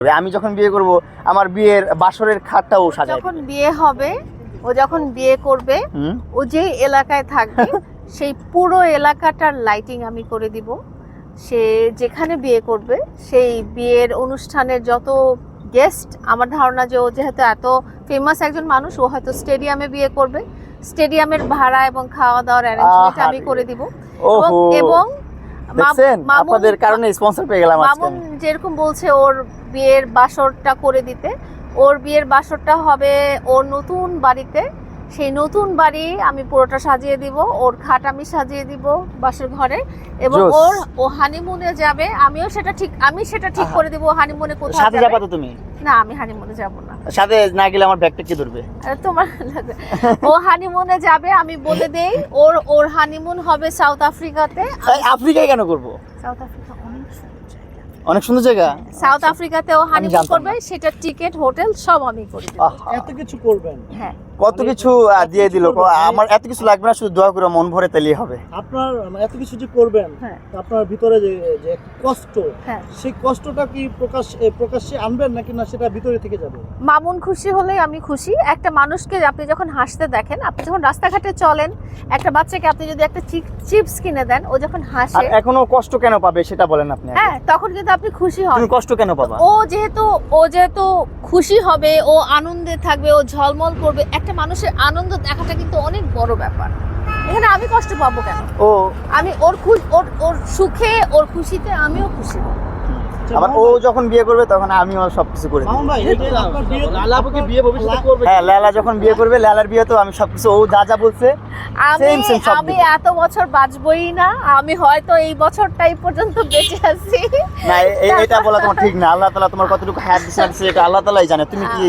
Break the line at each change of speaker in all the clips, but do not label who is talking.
আমি যখন বিয়ে করব আমার বিয়ের বাসরের খাটটাও সাজায়
যখন বিয়ে হবে, ও যখন বিয়ে করবে, ও যে এলাকায় থাকবে সেই পুরো এলাকাটার লাইটিং আমি করে দিব। সে যেখানে বিয়ে করবে সেই বিয়ের অনুষ্ঠানের যত গেস্ট, আমার ধারণা যে ও যেহেতু এত ফেমাস একজন মানুষ, ও হয়তো স্টেডিয়ামে বিয়ে করবে, স্টেডিয়ামের ভাড়া এবং খাওয়া দাওয়ার অ্যারেঞ্জমেন্ট আমি করে দিব। এবং
আপনাদের কারণে স্পন্সর পেয়ে গেলাম।
মামুন যেরকম বলছে ওর বিয়ের বাসরটা করে দিতে, ওর বিয়ের বাসরটা হবে ওর নতুন বাড়িতে। সেই নতুন বাড়ি আমি পুরোটা সাজিয়ে দিব, ওর খাট আমি সাজিয়ে দিব বাসর ঘরে, এবং ও হানিমুনে যাবে। আমি সেটা ঠিক করে দিব। হানিমুনে কোথায়
সাথে যাবে? তো তুমি
না, আমি হানিমুনে যাব না।
সাথে না গেলে আমার ব্যাগটা কে ধরবে?
তোমার ও হানিমুনে যাবে, আমি বলে দেই। ওর হানিমুন হবে সাউথ আফ্রিকাতে।
আফ্রিকায় কেন করব?
সাউথ আফ্রিকা
অনেক সুন্দর জায়গা।
সাউথ আফ্রিকাতে ও হানিমুন করবে, সেটা টিকেট, হোটেল সব আমি করে দেব।
এত কিছু করবেন?
হ্যাঁ,
কত কিছু দিয়ে দিল। আমার এত কিছু লাগবে না, শুধু দোয়া করে মন ভরে তেলেই হবে।
আপনার এত কিছু যে করবেন, আপনার ভিতরে যে কষ্ট, সেই কষ্টটা কি প্রকাশ্যে আনবেন নাকি না সেটা ভিতরে থেকে যাবে?
মামুন খুশি হলেই আমি খুশি। একটা মানুষকে আপনি যখন হাসতে দেখেন, আপনি যখন রাস্তাঘাটে চলেন, একটা বাচ্চাকে আপনি যদি একটা চিপস কিনে দেন, ও যখন হাসে,
এখনো কষ্ট কেন পাবে সেটা বলেন আপনি।
হ্যাঁ, তখন কিন্তু আপনি খুশি হন।
তুমি কষ্ট কেন পাবা?
ও যেহেতু খুশি হবে, ও আনন্দে থাকবে, ও ঝলমল করবে। একটা মানুষের আনন্দ দেখাটা কিন্তু অনেক বড় ব্যাপার। এখানে আমি কষ্ট পাবো কেন? আমি ওর সুখে, ওর খুশিতে আমিও খুশি।
আবার ও যখন বিয়ে করবে তখন আমিও সবকিছু করে দেব। হ্যাঁ, লালা যখন বিয়ে করবে, লালার বিয়ে তো আমি সবকিছু, ও যা যা বলছে
আমি এত বছর বাঁচবই না। আমি হয়তো এই বছরটাই পর্যন্ত বেঁচে আছি।
না, এটা বলা তোমার ঠিক না। আল্লাহ তাআলা তোমার কতটুকু হায়াত দিয়েছে এটা আল্লাহ তাআলাই জানে। তুমি কি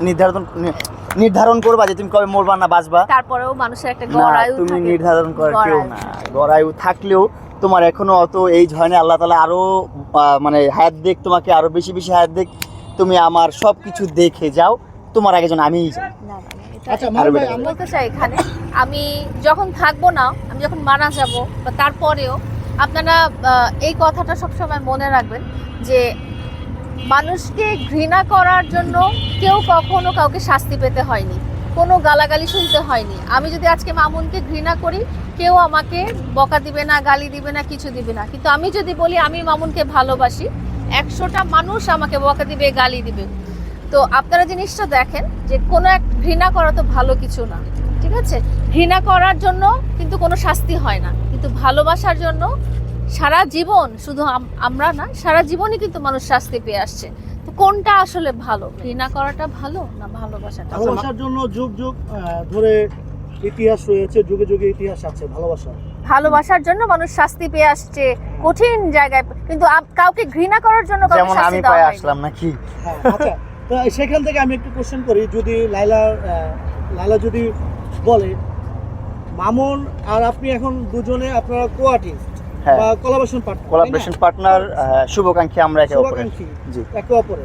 নির্ধারণ করবা যে তুমি কবে মরবা না বাঁচবা?
তারপরেও মানুষের একটা গড়ায়ু থাকে।
তুমি নির্ধারণ করে কেউ না। গড়ায়ু থাকলেও তোমার এখনো অত এই হয় না। আল্লাহ তাআলা আরো মানে হায়াত দেখ, তোমাকে আরো বেশি বেশি হায়াত দেখ। তুমি আমার সবকিছু দেখে যাও, তোমার আগে যেন আমিই যাই।
আচ্ছা,
আমি বলতে চাই, এখানে আমি যখন থাকবো না, আমি যখন মারা যাব, বা তারপরেও আপনারা এই কথাটা সবসময় মনে রাখবেন যে মানুষকে ঘৃণা করার জন্য কেউ কখনো কাউকে শাস্তি পেতে হয়নি, কোনো গালাগালি শুনতে হয়নি। আমি যদি আজকে মামুনকে ঘৃণা করি, কেউ আমাকে বকা দিবে না, গালি দিবে না, কিছু দিবে না। কিন্তু আমি যদি বলি আমি মামুনকে ভালোবাসি, 100টা মানুষ আমাকে বকা দিবে, গালি দিবে। তো আপনারা জিনিসটা দেখেন যে কোনো এক ঘৃণা করা তো ভালো কিছু না, ঠিক আছে? ঘৃণা করার জন্য কিন্তু কোনো শাস্তি হয় না, কিন্তু ভালোবাসার জন্য সারা জীবন, শুধু আমরা না, সারা জীবনই কিন্তু মানুষ শাস্তি পেয়ে আসছে। তো কোনটা আসলে ভালো? ঘৃণা করাটা ভালো না ভালোবাসাটা?
ভালোবাসার জন্য যুগ যুগ ধরে ইতিহাস রয়েছে, যুগে যুগে ইতিহাস আছে
ভালোবাসার জন্য মানুষ শাস্তি পেয়ে আসছে কঠিন জায়গায়, কিন্তু কাউকে ঘৃণা করার জন্য কাউকে শাস্তি দেওয়া হয়নি।
আসলাম নাকি?
আচ্ছা, তো সেখান থেকে আমি একটু কোশ্চেন করি। যদি লাইলা যদি বলে মামুন আর আপনি এখন দুজনে আপনারা কো-আর্টিস্ট বা কোলাবোরেশন পার্টনার,
শুভাকাঙ্ক্ষী, আমরা একে অপরের।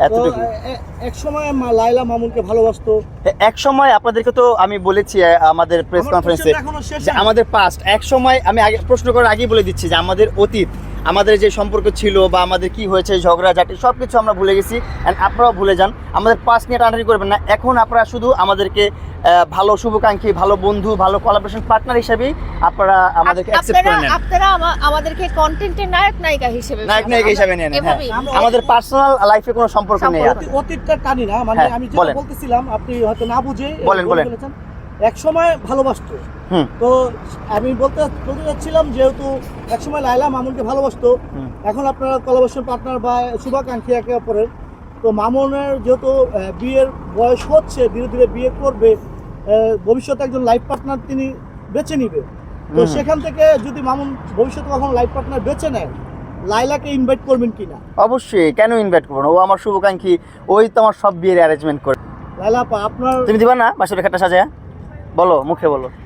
এক সময় লাইলা মামুনকে ভালোবাসতো।
এক সময় আপনাদেরকে তো আমি বলেছি আমাদের প্রেস কনফারেন্সে যে আমাদের পাস্ট, এক সময় আমি আগে প্রশ্ন করার আগেই বলে দিচ্ছি যে আমাদের অতীত, আমাদের যে সম্পর্ক ছিল বা আমাদের কি হয়েছে, ঝগড়াঝাটি সবকিছু আমরা ভুলে গেছি। এন্ড আপনারাও ভুলে যান, আমাদের পাস্ট নিয়ে টানাটানি করবেন না। এখন আপনারা শুধু আমাদেরকে ভালো শুভাকাঙ্ক্ষী, ভালো বন্ধু, ভালো কোলাবোরেশন পার্টনার হিসেবে আপনারা আমাদেরকে অ্যাকসেপ্ট করে নেন।
আপনারা আমাদেরকে কন্টেন্টের নায়িকা হিসেবে
নেন। আমাদের পার্সোনাল লাইফে কোনো সম্পর্ক নেই।
অতীতটা টানি না, মানে আমি যেটা বলতেছিলাম আপনি হয়তো না বুঝে
বলেন।
এক সময় ভালোবাসতো, তো আমি বলতে চাচ্ছিলাম যেহেতু এক সময় লাইলা মামুনকে ভালোবাসতো, এখন আপনারা কোলাবোরেশন পার্টনার বা শুভাকাঙ্ক্ষী একে অপরের। তো মামুনের যেহেতু বিয়ের বয়স হচ্ছে, ধীরে ধীরে বিয়ে করবে, ভবিষ্যতে একজন লাইফ পার্টনার তিনি বেছে নিবে। তো সেখান থেকে যদি মামুন ভবিষ্যতে কখনো লাইফ পার্টনার বেছে নেয়, লাইলাকে ইনভাইট করবেন কিনা?
অবশ্যই, কেন ইনভাইট করবো না? ও আমার শুভাকাঙ্ক্ষী, ওই তো আমার সব বিয়ের অ্যারেঞ্জমেন্ট করে।
লাইলা আপা, আপনার
তুমি দিবা না বাসরের খাটটা সাজায়া? বলো, মুখে বলো।